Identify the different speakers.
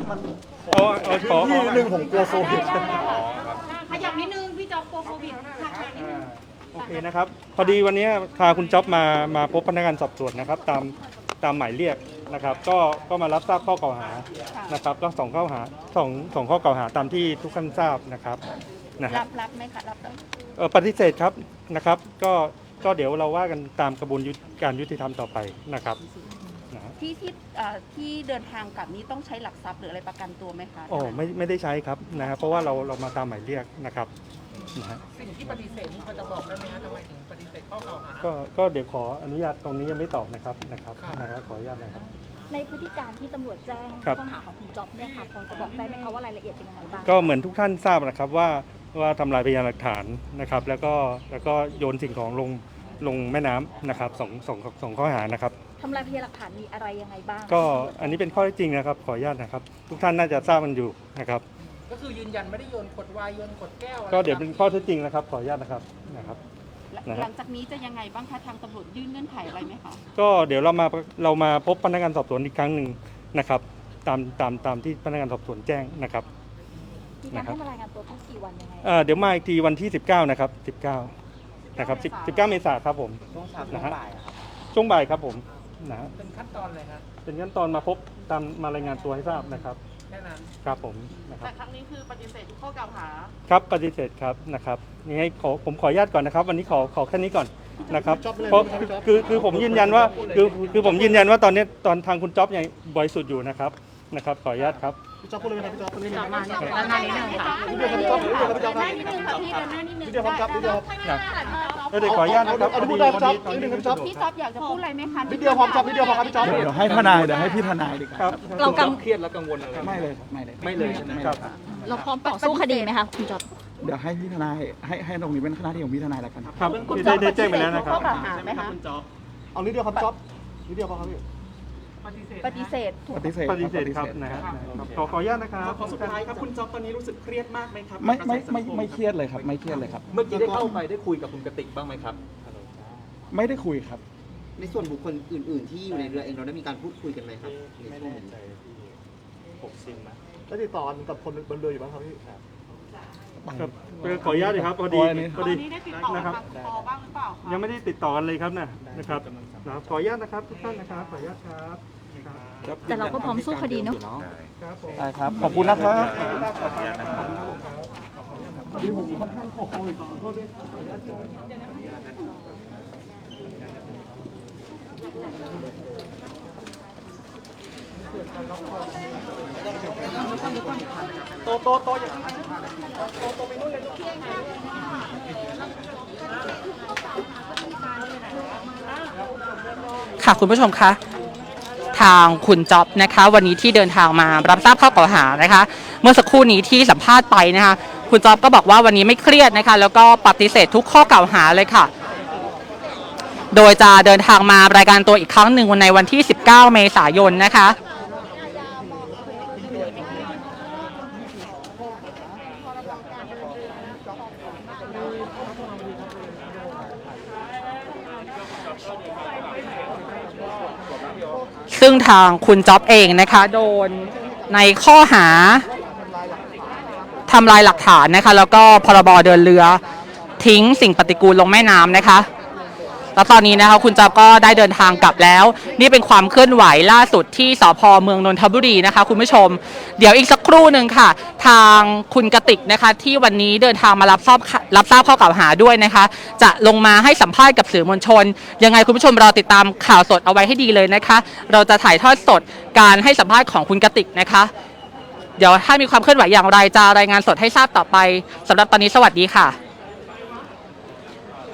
Speaker 1: มัน
Speaker 2: ขอ
Speaker 1: ที่หนึ่งผมกลัวโควิด
Speaker 3: ขยับนิดนึงพี่จ๊อบกลัวโควิดค่ะนิดนึง
Speaker 2: โอเคนะครับพอดีวันนี้พาคุณจ๊อบมาพบพนักงานสอบสวนนะครับตามหมายเรียกนะครับก็มารับทราบข้อกล่าวหานะครับก็2ข้อหาสองข้อกล่าวหาตามที่ทุกท่านทราบนะครับ
Speaker 3: รับไหมคะรับ
Speaker 2: ปฏิเสธครับนะครับก็เดี๋ยวเราว่ากันตามกระบวนการยุติธรรมต่อไปนะครับ
Speaker 3: ที่เดินทางกลับนี้ต้องใช้หลักทรัพย์หรืออะไรประกันตัวไหมคะ
Speaker 2: อ๋อไม่ได้ใช้ครับนะครับเพราะว่าเรามาตามหมายเรียกนะครับ
Speaker 4: สิ่งที่ปฏิเสธนี่เขาจะบอกได้ไหมคะทำไมถึงปฏิเสธข้อกล่าวหา
Speaker 2: ก็เดี๋ยวขออนุญาตตรงนี้ยังไม่ตอบนะครับขออนุญาตนะครับ
Speaker 5: ในพฤติการที่ตำรวจแจ้งข้อหาของคุณจ๊อบเนี่ยค่ะพอจะบอกได้ไหมคะว่ารายละเอียดเป็นยังไงบ้าง
Speaker 2: ก็เหมือนทุกท่านทราบนะครับว่าทำลายพยานหลักฐานนะครับแล้วก็โยนสิ่งของลงแม่น้ำนะครับสองข้อหานะครับ
Speaker 5: ทำลายพยานหลักฐานมีอะไรยังไงบ้าง
Speaker 2: ก็อันนี้เป็นข้อเท็จจริงนะครับขออนุญาตนะครับทุกท่านน่าจะทราบมันอยู่นะครับ
Speaker 4: ก็คือยืนยันไม่ได้โยนขวดไวน์โยนขวดแก้ว
Speaker 2: ก็เดี๋ยวเป็นข้อเท็จจริงนะครับขออนุญาตนะครับ
Speaker 3: หลังจากนี้จะยังไงบ้างคะทางตำรวจยื่นเงื่อนไขอะไรไหมคะ
Speaker 2: ก็เดี๋ยวเรามาพบพนักงานสอบสวนอีกครั้งหนึ่งนะครับตามที่พนักงานสอบสวนแจ้งนะครับ
Speaker 5: มีการให้มารายงานตัวทุกกี่วันยังไง
Speaker 2: เดี๋ยวมาอีกทีวันที่19นะครับ19นะครับ19เมษายนครับผม
Speaker 4: ช่วงเช้าช่วงบ่ายครับ
Speaker 2: ช่วงบ่ายครับผม
Speaker 4: เป็นขั้นตอนเลยครับ
Speaker 2: เป็นขั้นตอนมาพบมารายงานตัวให้ทราบนะครับ
Speaker 4: แค่นั้น
Speaker 2: ครับผมนะครับ
Speaker 3: แต่ครั้งนี้คือปฏิเสธทุกข้อกล่าวหา
Speaker 2: ครับปฏิเสธครับนะครับนี่ให้ผมขออนุญาตก่อนนะครับวันนี้ขอแค่นี้ก่อนนะครับเพราะคือผมยืนยันว่าคือผมยืนยันว่าตอนนี้ตอนทางคุณจ๊อบยังบริสุทธิ์อยู่นะครับขออนุญาตครับ
Speaker 1: พี่จ๊อบพูดเลยไหมครับพี่จ๊อบพูดเลยไหม
Speaker 3: มาเนี่ยด้านหน้านิดนึงค่ะ
Speaker 1: เดี๋ยวครับพี่จ๊อบเดี๋ยวครับพี่จ๊อบครับ
Speaker 3: พี่ด้านหน้านิดนึง
Speaker 1: เดี๋ยวครับเดี๋ยว
Speaker 2: เดี๋ยวขออนุญาตนะครับ
Speaker 1: พูดได้ครับจ๊อบนิดนึงครับจ๊อบ
Speaker 3: พี่จ๊อบอยากจะพูดอะไรไหมคะ
Speaker 1: นิดเดียวพอจ๊อบนิดเดียวพอครับพี่จ๊อบ
Speaker 6: เดี๋ยวให้ทนายเดี๋ยวให้พี่ทนายดีกว่า
Speaker 2: เรา
Speaker 6: เครียดแล้วกังวลอะไรไม่เลยใช่ไหมครับ
Speaker 5: เราพร้อมต่อสู้คดีไหมคะคุณจ๊อบ
Speaker 6: เดี๋ยวให้พี่ทนายให้ตรงนี้เป็นหน้าที่ของพี่ทนายแล้วกัน
Speaker 2: ครับได้แจ้งไปแล้วนะครับ
Speaker 3: ไหมคะ
Speaker 1: คุณจ๊อบเอานิดเดียวครับจ๊อบนิดเดียวพอครับพี่
Speaker 3: ปฏิเสธ
Speaker 2: ครับนะครับขออนุญาตนะครับ
Speaker 4: ขอสุดท้ายครับคุณจ๊อบตอนนี้รู้สึกเครียดมากไหมครับ
Speaker 6: ไม่เครียดเลยครับไม่เครียดเลยครับ
Speaker 4: เมื่อกี้ได้เข้าไปได้คุยกับคุณกติกบ้างไหมครับ
Speaker 6: ไม่ได้คุยครับ
Speaker 7: ในส่วนบุคคลอื่นๆที่อยู่ในเรือเองเราได้มีการพูดคุยกันไหมครับ
Speaker 2: ไม่แน่ใจ60นะ
Speaker 1: ได้ติดต่อกับคนบนเรืออยู่บ้างครับพี่
Speaker 2: ขออนุญาตเลยครับพอดี
Speaker 3: ได้ติดต่อนะครับบ้างหรือเปล่า
Speaker 2: ยังไม่ได้ติดต่อกันเลยครับนะครับขออนุญาตนะครับทุกท่านนะครับขออนุญาตครับ
Speaker 5: แต่เราก็พร้อมสู้คดีเนาะ
Speaker 6: ได้ครับขอบคุณนะครับ
Speaker 1: โตอย่างนี้โตไปนู่นเลย
Speaker 8: ค่ะคุณผู้ชมคะทางคุณจ๊อบนะคะวันนี้ที่เดินทางมารับทราบข้อกล่าวหานะคะเมื่อสักครู่นี้ที่สัมภาษณ์ไปนะคะคุณจ๊อบก็บอกว่าวันนี้ไม่เครียดนะคะแล้วก็ปฏิเสธทุกข้อกล่าวหาเลยค่ะโดยจะเดินทางมารายการตัวอีกครั้งหนึ่งในวันที่19เมษายนนะคะซึ่งทางคุณจ๊อบเองนะคะโดนในข้อหาทำลายหลักฐานนะคะแล้วก็พรบเดินเรือทิ้งสิ่งปฏิกูลลงแม่น้ำนะคะแล้วตอนนี้นะคะคุณจ๊อบก็ได้เดินทางกลับแล้วนี่เป็นความเคลื่อนไหวล่าสุดที่สภ.เมืองนนทบุรีนะคะคุณผู้ชมเดี๋ยวอีกสักครู่หนึ่งค่ะทางคุณกติกนะคะที่วันนี้เดินทางมารับทราบข้อกล่าวหาด้วยนะคะจะลงมาให้สัมภาษณ์กับสื่อมวลชนยังไงคุณผู้ชมรอติดตามข่าวสดเอาไว้ให้ดีเลยนะคะเราจะถ่ายทอดสดการให้สัมภาษณ์ของคุณกติกนะคะเดี๋ยวถ้ามีความเคลื่อนไหวอย่างไรจะรายงานสดให้ทราบต่อไปสำหรับตอนนี้สวัสดีค่ะ